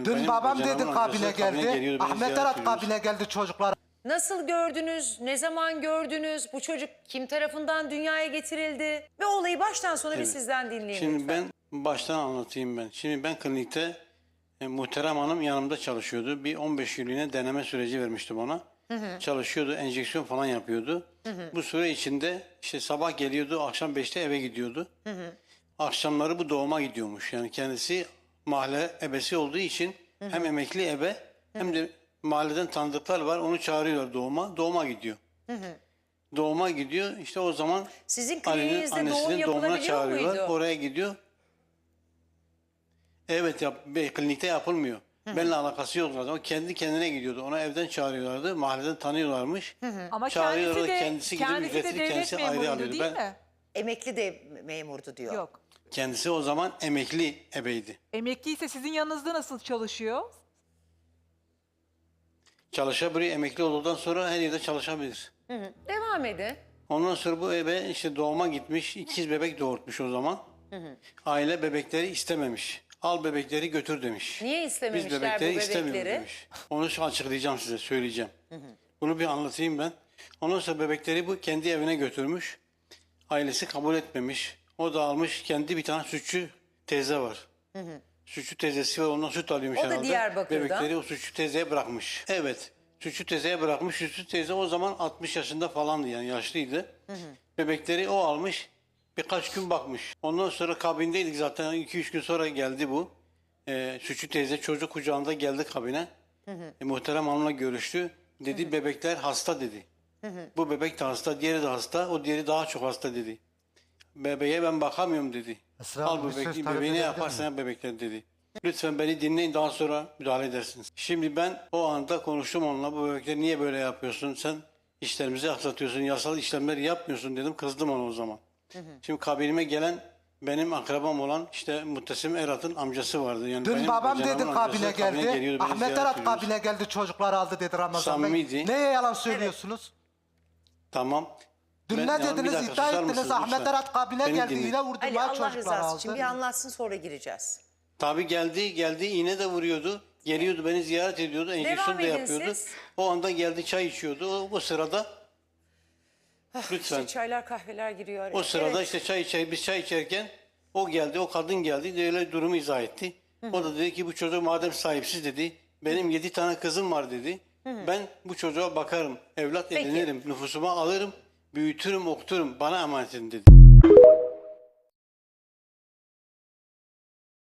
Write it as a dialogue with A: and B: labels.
A: Yani
B: Dün
A: benim
B: babam
A: kocanımın
B: dedi kabine
A: amcası kabine
B: geldi.
A: geliyordu, beni
B: Ahmet
A: ziyaret
B: Arat
A: ediyordu.
B: kabine geldi çocuklar.
C: Nasıl gördünüz? Ne zaman gördünüz? Bu çocuk kim tarafından dünyaya getirildi? Ve olayı baştan sona bir
A: Evet.
C: sizden dinleyelim
A: Şimdi
C: lütfen.
A: ben baştan anlatayım ben. Şimdi ben klinikte Muhterem Hanım yanımda çalışıyordu. Bir 15 günlüğüne deneme süreci vermiştim ona. Çalışıyordu, enjeksiyon falan yapıyordu. Bu süre içinde işte sabah geliyordu, akşam 5'te eve gidiyordu. Akşamları bu doğuma gidiyormuş. Yani kendisi mahalle ebesi olduğu için hem emekli ebe hem de mahalleden tanıdıklar var. Onu çağırıyorlar doğuma. Doğuma gidiyor. Doğuma gidiyor. İşte o zaman
C: Sizin
A: Ali'nin
C: kliniğinizde doğum
A: annesinin doğumuna
C: yapılabiliyor
A: çağırıyorlar.
C: muydu?
A: Oraya gidiyor. Evet, klinikte yapılmıyor. Benimle alakası yok zaten. O kendi kendine gidiyordu. Ona evden çağırıyorlardı. Mahalleden tanıyorlarmış.
D: Ama
A: Çağırıyorlar,
D: kendisi de
A: gidip ücretini
D: devlet
A: kendisi ayrı
D: memuruydu
A: alıyordu.
D: değil mi?
C: Emekli de memurdu diyor.
D: Yok.
A: Kendisi o zaman emekli ebeydi.
D: Emekliyse sizin yanınızda nasıl çalışıyor?
A: Çalışabilir. Emekli olduktan sonra her yerde çalışabilir.
C: Devam edin.
A: Ondan sonra bu ebe işte doğuma gitmiş. İkiz bebek doğurtmuş o zaman. Aile bebekleri istememiş. Al bebekleri götür demiş.
C: Niye
A: Biz
C: istememişler bu
A: bebekleri istemiyoruz
C: bebekleri?
A: demiş. Onu açıklayacağım size, söyleyeceğim. Bunu bir anlatayım ben. Ondan sonra bebekleri bu kendi evine götürmüş. Ailesi kabul etmemiş. O da almış, kendi bir tane sütçü teyze var. Sütçü teyzesi var, ondan süt alıyormuş
C: O da
A: herhalde.
C: Diyarbakır'da.
A: Bebekleri o sütçü teyzeye bırakmış. Evet. Sütçü teyzeye bırakmış. Sütçü teyze o zaman 60 yaşında falandı, yani yaşlıydı. Bebekleri o almış. Birkaç gün bakmış. Ondan sonra kabindeydik zaten. 2-3 gün sonra geldi bu. Sütçü teyze çocuk kucağında geldi kabine. Muhterem Hanım'la görüştü. Dedi bebekler hasta dedi. Bu bebek de hasta, diğeri de hasta. O diğeri daha çok hasta dedi. Bebeğe ben bakamıyorum dedi.
B: Esra
A: Al
B: Hanım, bir söz
A: bebeği,
B: talep
A: bebeği ne
B: edebilir
A: yaparsan
B: miyim?
A: yap bebekler dedi. Lütfen beni dinleyin, daha sonra müdahale edersiniz. Şimdi ben o anda konuştum onunla. Bu bebekleri niye böyle yapıyorsun? Sen işlerimizi aksatıyorsun. Yasal işlemler yapmıyorsun dedim. Kızdım ona o zaman. Şimdi kabinime gelen benim akrabam olan işte Muhtesim Erat'ın amcası vardı. Yani
B: Dün
A: benim
B: babam
A: kocanımın
B: dedi kabine
A: amcası
B: geldi.
A: geliyordu, beni
B: Ahmet
A: ziyaret
B: Arat
A: ediyordu.
B: kabine geldi çocuklar aldı dedi Ramazan Bey.
A: Samimiydi.
B: Neye yalan söylüyorsunuz?
A: Tamam.
B: Dün
A: Ben-
B: ne
A: yalnız bir
B: dediniz,
A: dakika,
B: iddia
A: susar
B: ettiniz
A: mısınız
B: Ahmet
A: lütfen?
B: Arat kabine
A: Beni
B: geldi
A: dinleyin.
B: yine
C: Ali
B: vurdular
C: Allah
B: çocuklar
C: rızası
B: aldı.
C: için bir anlatsın, sonra gireceğiz.
A: Tabii geldi iğne de vuruyordu. Geliyordu, beni ziyaret ediyordu. Enjeksiyon da
C: edin
A: yapıyordu.
C: siz.
A: O anda geldi, çay içiyordu. O sırada lütfen.
C: İşte çaylar kahveler giriyor araya.
A: O sırada
C: Evet.
A: işte biz çay içerken o geldi, o kadın geldi. Öyle durumu izah etti. O da dedi ki bu çocuk madem sahipsiz dedi. Benim 7 tane kızım var dedi. Ben bu çocuğa bakarım, evlat
C: Peki.
A: edinirim, nüfusuma alırım, büyütürüm, okuturum. Bana emanet edin dedi.